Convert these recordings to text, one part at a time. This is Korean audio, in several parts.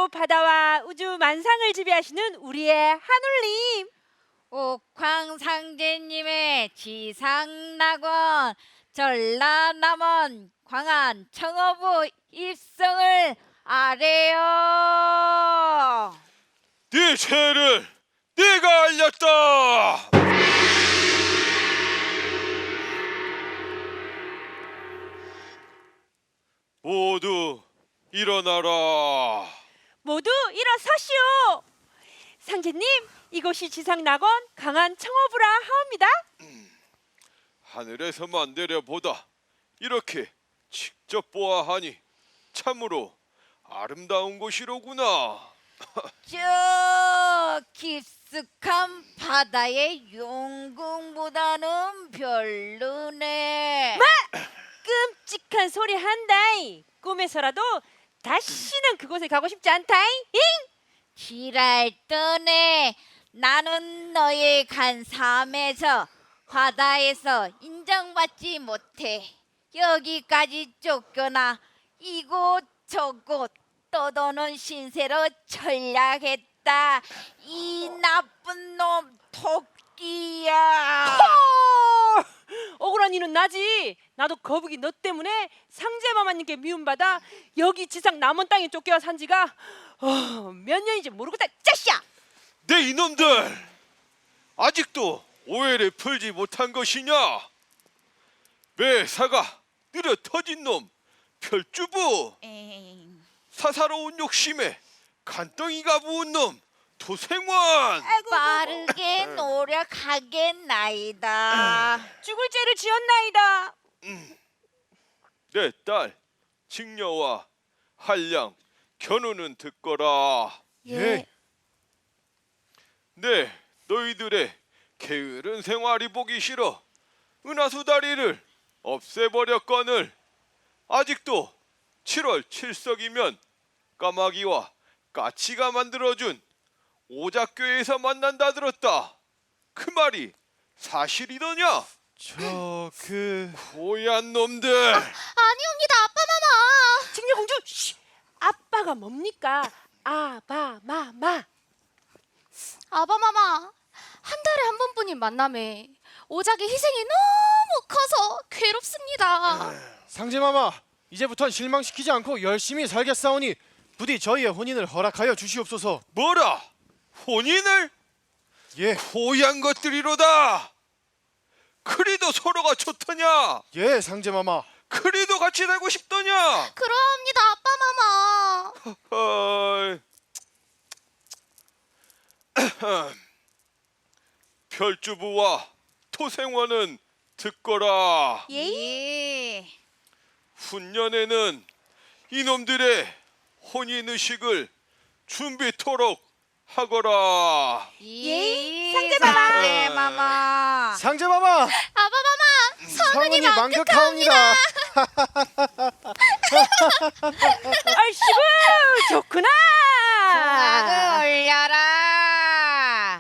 하늘하고 바다와 우주 만상을 지배하시는 우리의 하늘님. 옥황상제님의 지상낙원 전라남원 광안 청어부 입성을 아래요. 네 죄를 내가 알렸다. 모두 일어나라. 모두 일어서시오. 상제님, 이곳이 지상낙원 강한 청어부라 하옵니다. 하늘에서만 내려보다 이렇게 직접 보아하니 참으로 아름다운 곳이로구나. 저 깊숙한 바다의 용궁보다는 별로네. 끔찍한 소리 한다이. 꿈에서라도 다시는 그곳에 가고 싶지 않다이. 지랄 떠네. 나는 너의 간 삶에서 바다에서 인정받지 못해 여기까지 쫓겨나 이곳 저곳 떠도는 신세로 전략했다. 이 나쁜 놈 토끼야. 억울한 이는 나지. 나도 거북이 너 때문에 상제마마님께 미움받아 여기 지상 남원 땅에 쫓겨와 산 지가 몇 년인지 모르겠다. 짜샤! 내 이놈들 아직도 오해를 풀지 못한 것이냐? 매사가 느려 터진 놈 별주부, 에잉. 사사로운 욕심에 간덩이가 부은 놈 도생원. 빠르게 노력하겠나이다. 죽을 죄를 지었나이다. 내 딸 직녀와 한량 견우는 듣거라. 예. 네, 너희들의 게으른 생활이 보기 싫어 은하수 다리를 없애버렸거늘 아직도 7월 7석이면 까마귀와 까치가 만들어준 오작교에서 만난다 들었다. 그 말이 사실이더냐? 고얀 놈들. 아니옵니다, 아빠마마. 직녀공주, 쉬! 아빠가 뭡니까? 아바마마. 아빠마마, 한 달에 한 번뿐인 만남에 오작의 희생이 너무 커서 괴롭습니다. 상제마마, 이제부턴 실망시키지 않고 열심히 살겠사오니 부디 저희의 혼인을 허락하여 주시옵소서. 뭐라? 혼인을? 예, 고얀 것들이로다. 그리도 서로가 좋더냐? 예, 상제마마. 그리도 같이 살고 싶더냐? 그러합니다, 아빠마마. 어이. 별주부와 토생원은 듣거라. 예. 훈년에는 이놈들의 혼인의식을 준비토록 하거라. 예. 상제마마. 상제마마. 상제마마, 아빠마마, 성은이 만극하옵니다. 얼씨구 좋구나. 풍악을 올려라.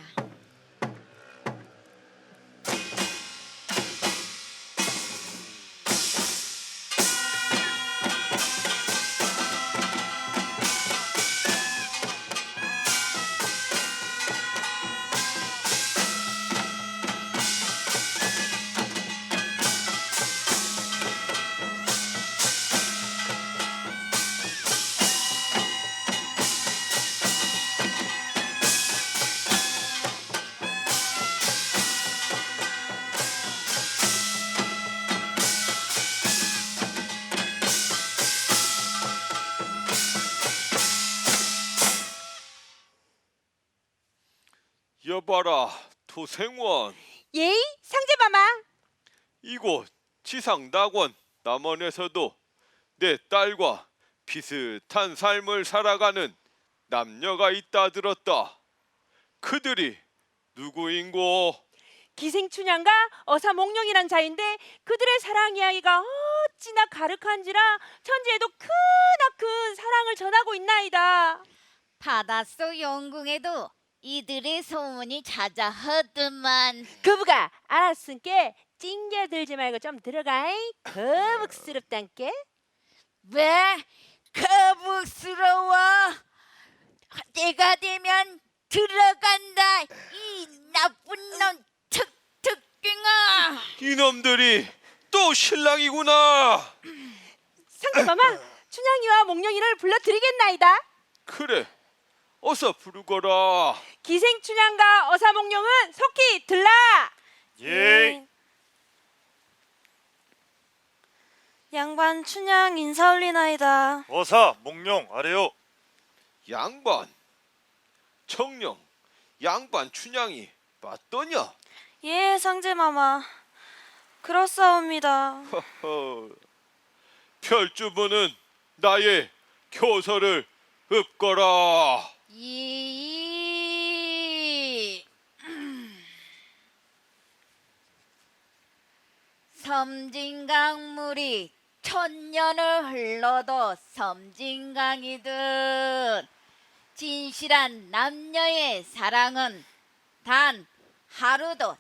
여봐라 토생원, 예이 상제마마. 이곳 지상낙원 남원에서도 내 딸과 비슷한 삶을 살아가는 남녀가 있다 들었다. 그들이 누구인고? 기생춘향과 어사몽룡이란 자인데 그들의 사랑 이야기가 어찌나 가득한지라 천지에도 크나큰 사랑을 전하고 있나이다. 바닷속 용궁에도 이들의 소문이 자자하더만. 거북아 알았으니까 찡겨들지 말고 좀 들어가잉. 거북스럽단께. 왜 거북스러워? 때가 되면 들어간다. 이 나쁜 놈 특특갱아. 이놈들이 또 신랑이구나. 상제마마, 춘향이와 몽룡이를 불러드리겠나이다. 그래, 어서 부르거라. 기생춘향과 어사몽룡은 속히 들라. 예. 양반 춘향 인사 올리나이다. 어사 몽룡 아래요. 양반, 청령, 양반 춘향이 맞더냐? 예, 상제마마. 그렇사옵니다. 허허, 별주부는 나의 교서를 읊거라. 이 섬진강물이 천년을 흘러도 섬진강이듯 진실한 남녀의 사랑은 단 하루도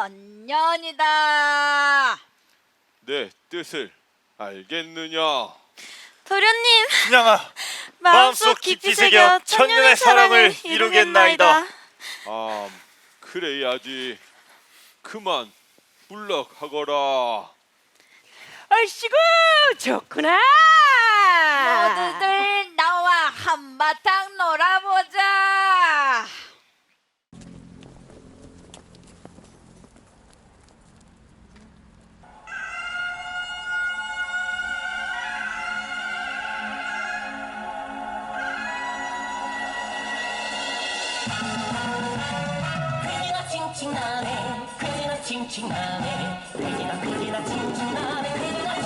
천년이다. 내 뜻을 알겠느냐? 도련님, 춘향아, 마음속 깊이 새겨 천년의 사랑을 이루겠나이다. 아, 그래야지. 그만 물러가거라. 얼씨구 좋구나. 모두들 나와 한바탕 놀아보자. 그지나 칭칭나네 그지나 칭칭나네 그지나 칭칭나네 그지나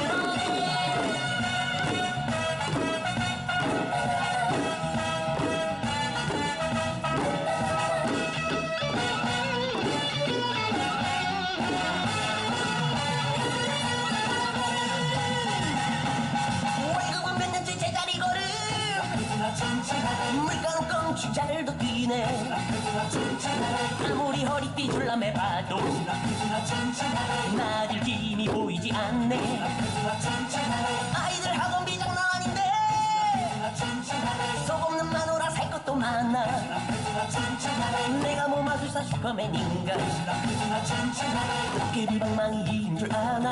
칭칭나네 월급은 몇 년째 제자리 걸음 물가는 껑충 잘도 뛰네 아무리 허리띠 줄라매 봐도 나질 힘이 보이지 않네 아이들 학원 비장난 아닌데 속 없는 마누라 살 것도 많아 내가 뭐 마술사 슈퍼맨인가 도깨비방망이인 줄 아나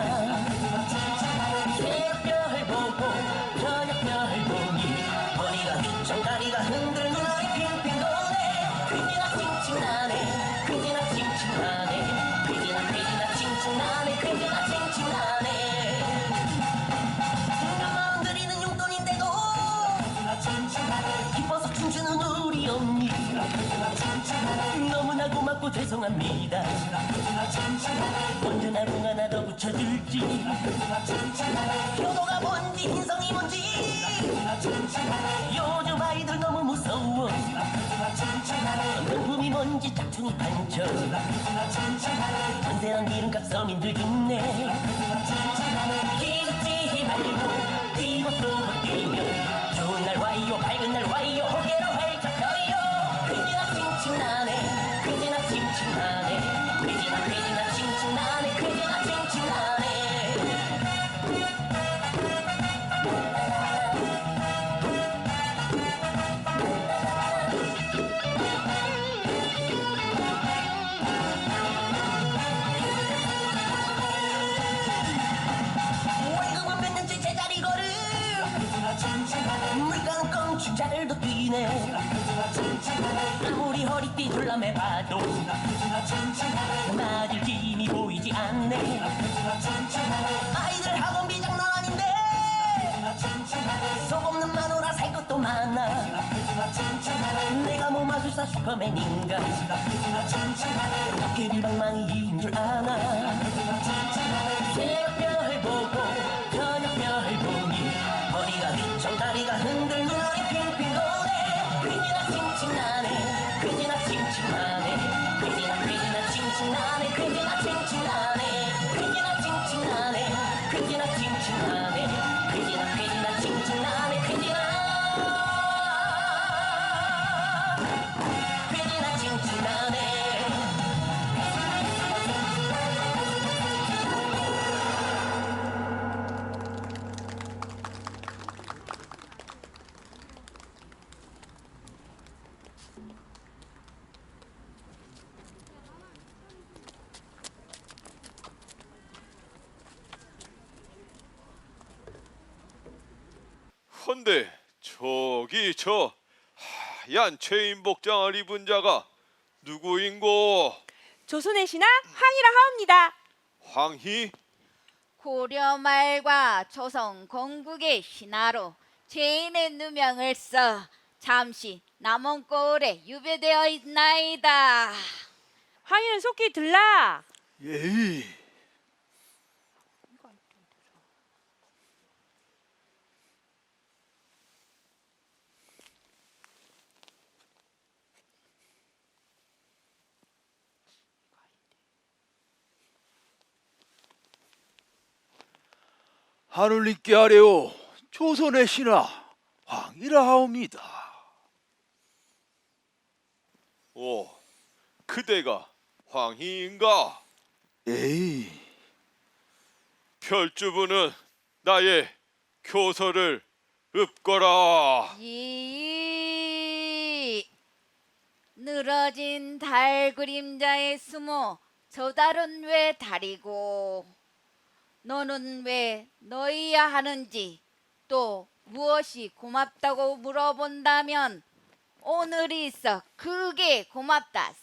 새벽별 보고 저녁별 보니 허리가 휘청 다리가 흔들 눈알이 핑핑 도네 그지나 칭칭나네 그지나 칭칭나네 그지나 칭칭나네 그지나 칭칭나네 마음 들이는 용돈인데도 기뻐서 춤추는 우리 언니 너무나 고맙고 죄송합니다 언제나 공 하나 더 붙여줄지 효도가 뭔지 인성이 뭔지 요즘 아이들 너무 무서워 명품이 뭔지 짝퉁이 반쳐 전세랑 기름값 서민들 죽네 기죽지 말고 뛰고 뛰며 좋은 날 와요 밝은 날 와요 호계로 활짝 펴요 그지나 칭칭나네 그지나 칭칭나네 그지나 칭칭나네 그지나 칭칭나네 월급은 몇 년째 제자리 걸음 물가는 껑충 잘도 뛰네 아무리 허리띠 줄라매 봐도 나질 힘이 보이지 않네 아이들 학원 비장난 아닌데 속 없는 마누라 살 것도 많아 내가 뭐 마술사 슈퍼맨인가 도깨비방망이인 줄 아나 새벽별 보고 저녁별 보니 허리가 휘청 다리가 흔들 눈알이 핑핑 도네 그지나 칭칭나네 그지나 칭칭나네 그지나 칭칭나네 그지나 칭칭나네 그지나 칭칭나네 그지나 칭칭나네 그지나 칭칭나네 그지나 칭칭나네 헌데 저기 저 하얀 체인복장을 입은 자가 누구인고? 조선의 신하 황이라 하옵니다. 황희? 고려 말과 조선 건국의 신하로 죄인의 누명을 써 잠시 남원고을에 유배되어 있나이다. 황이는 속히 들라. 예이. 하늘님께 아뢰오 조선의 신하 황이라 하옵니다. 오, 그대가 황희인가? 에이, 별주부는 나의 교서를 읊거라. 이 늘어진 달 그림자에 숨어 저 달은 왜 달이고 너는 왜 너희야 하는지 또 무엇이 고맙다고 물어본다면 오늘이 있어 그게 고맙다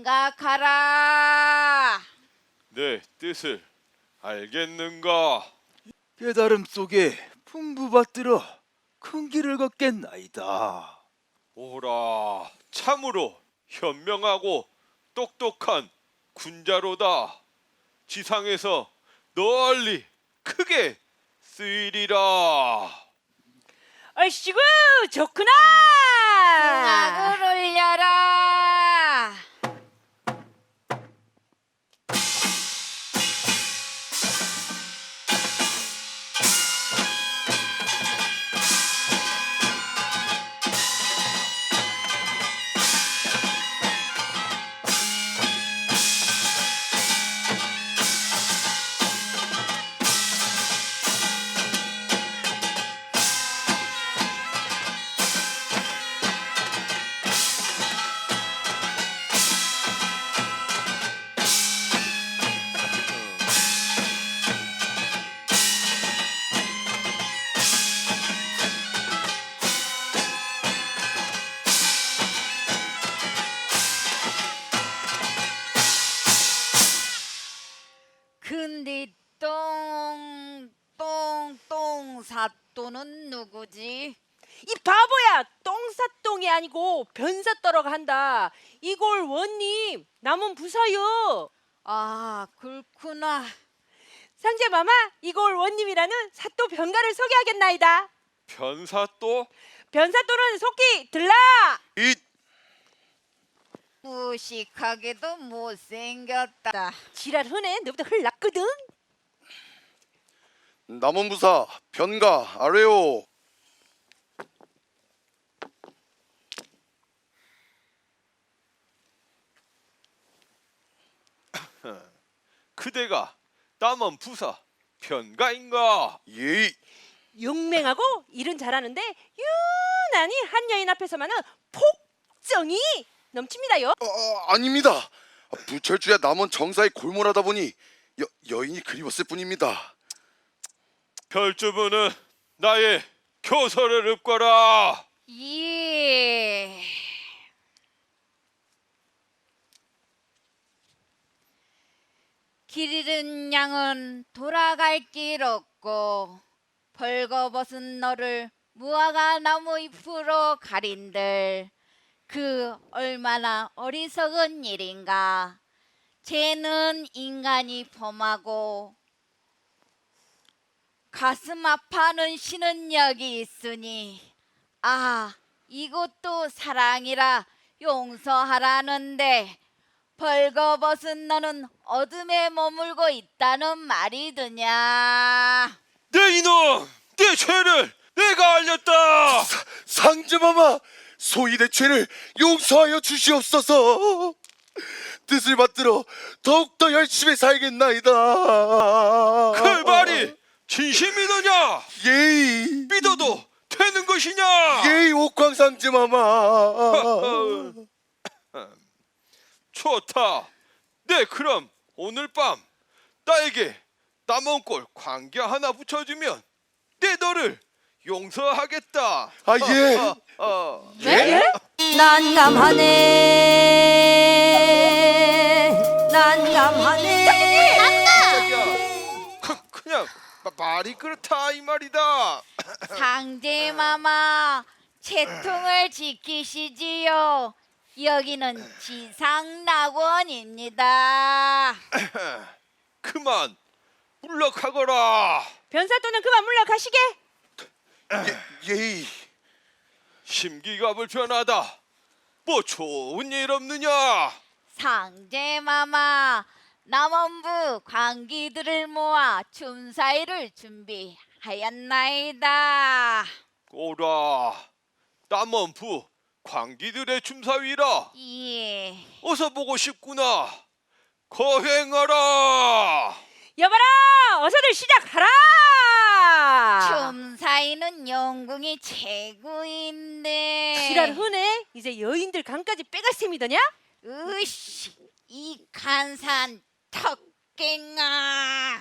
생각하라. 내 뜻을 알겠는가? 깨달음 속에 풍부받들어 큰 길을 걷겠나이다. 오라, 참으로 현명하고 똑똑한 군자로다. 지상에서 널리 크게 쓰이리라. 얼씨구 좋구나. 음악을 올려라. 근데 똥 사또는 누구지? 이 바보야, 똥사똥이 아니고 변사떠러가 한다. 이골 원님 남은 부사요. 아 그렇구나. 상제마마, 이골 원님이라는 사또 변가를 소개하겠나이다. 변사또? 변사또는 속히 들라. 이 무식하게도 못생겼다. 지랄 흔해. 너보다 흘 낫거든. 남원부사 변가 아뢰오. 그대가 남원 부사 변가인가? 예, 용맹하고 일은 잘하는데 유난히 한 여인 앞에서만은 폭정이 넘칩니다요. 아닙니다. 부철주야 남원 정사에 골몰하다 보니 여인이 그리웠을 뿐입니다. 별주부는 나의 교서를 읊거라. 예. 길 잃은 양은 돌아갈 길 없고 벌거벗은 너를 무화과 나무 잎으로 가린들 그 얼마나 어리석은 일인가. 죄는 인간이 범하고 가슴 아파하는 신은 여기 있으니 아 이것도 사랑이라 용서하라는데 벌거벗은 너는 어둠에 머물고 있다는 말이드냐. 내 이놈! 내 죄를 내가 알렸다! 상제마마 소위 내 죄를 용서하여 주시옵소서. 뜻을 받들어 더욱더 열심히 살겠나이다. 그 말이 진심이더냐? 예이 믿어도 되는 것이냐? 예이 옥황상제마마. 좋다. 네, 그럼 오늘 밤 나에게 남원골 광기 하나 붙여주면 내 너를 용서하겠다. 아, 예. 네? 난감하네. 난감하네. 자기야, 그냥 말이 그렇다 이 말이다. 상제마마, 채통을 지키시지요. 여기는 지상낙원입니다. 그만 물러가거라. 변사또는 그만 물러가시게. 예이. 심기가 불편하다. 뭐 좋은 일 없느냐? 상제마마, 남원부 광기들을 모아 춤사위를 준비하였나이다. 오라. 남원부 광기들의 춤사위라. 예. 어서 보고 싶구나. 거행하라. 여봐라, 어서들 시작하라. 춤사위는 영궁이 최고인데. 지랄 흔해. 이제 여인들 강까지 빼갈 셈이더냐? 으씨, 이 간산 턱갱아.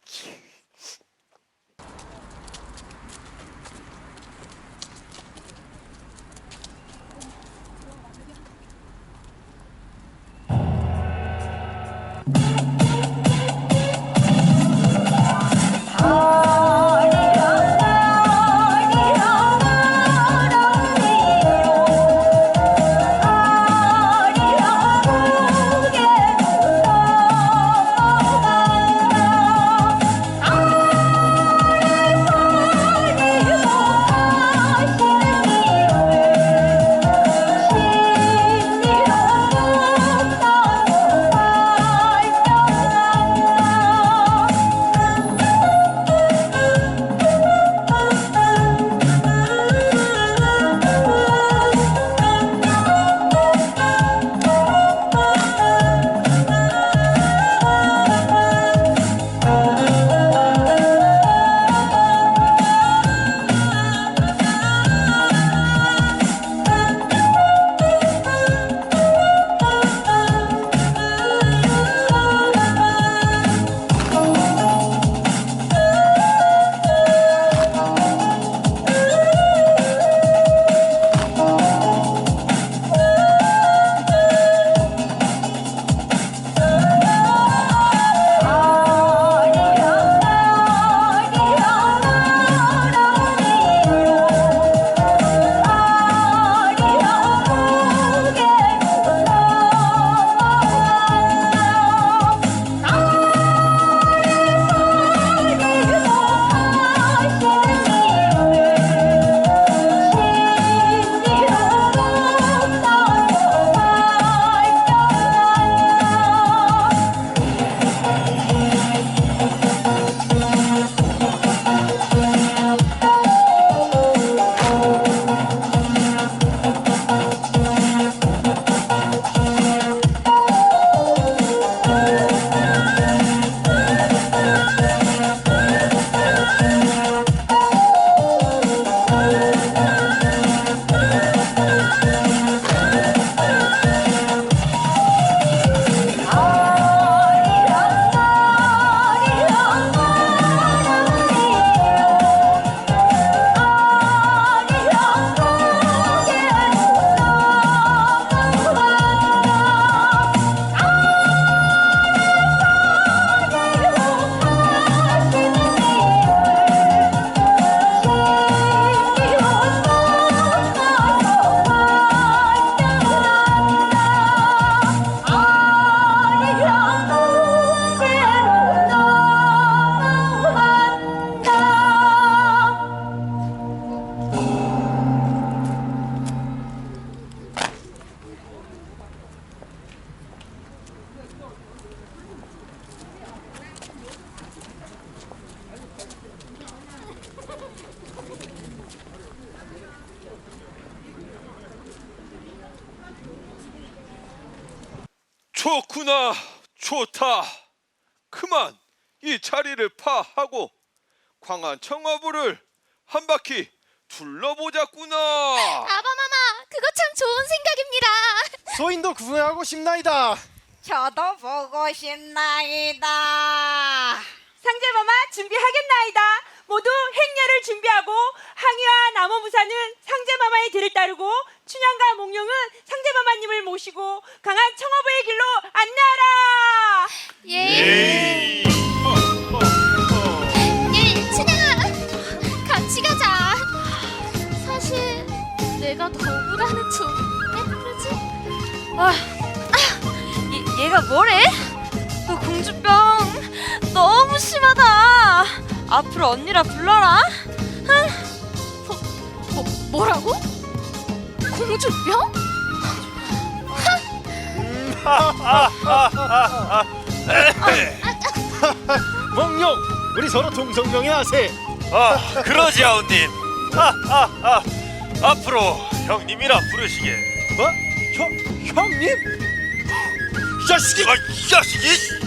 좋구나. 좋다. 그만 이 자리를 파하고 광안 청어부를 한 바퀴 둘러보자꾸나. 아바마마, 그거 참 좋은 생각입니다. 소인도 구경하고 싶나이다. 저도 보고 싶나이다. 상제마마 준비하겠나이다. 모두 행렬을 준비하고 항해 부사는 상제마마의 뒤를 따르고 춘향과 몽룡은 상제마마님을 모시고 강한 청어부의 길로 안내하라. 예. 예, 춘향아, 같이 가자. 사실 내가 더 억울하는 왜 그러지? 얘가 뭐래? 너 공주병 너무 심하다. 앞으로 언니라 불러라. 뭐라고? 공주병? 몽룡, 우리 서로 동성명예하세. 아, 그러지 아우님. 앞으로 형님이라 부르시게. 뭐? 형님? 이 자식이! 아, 이 자식이!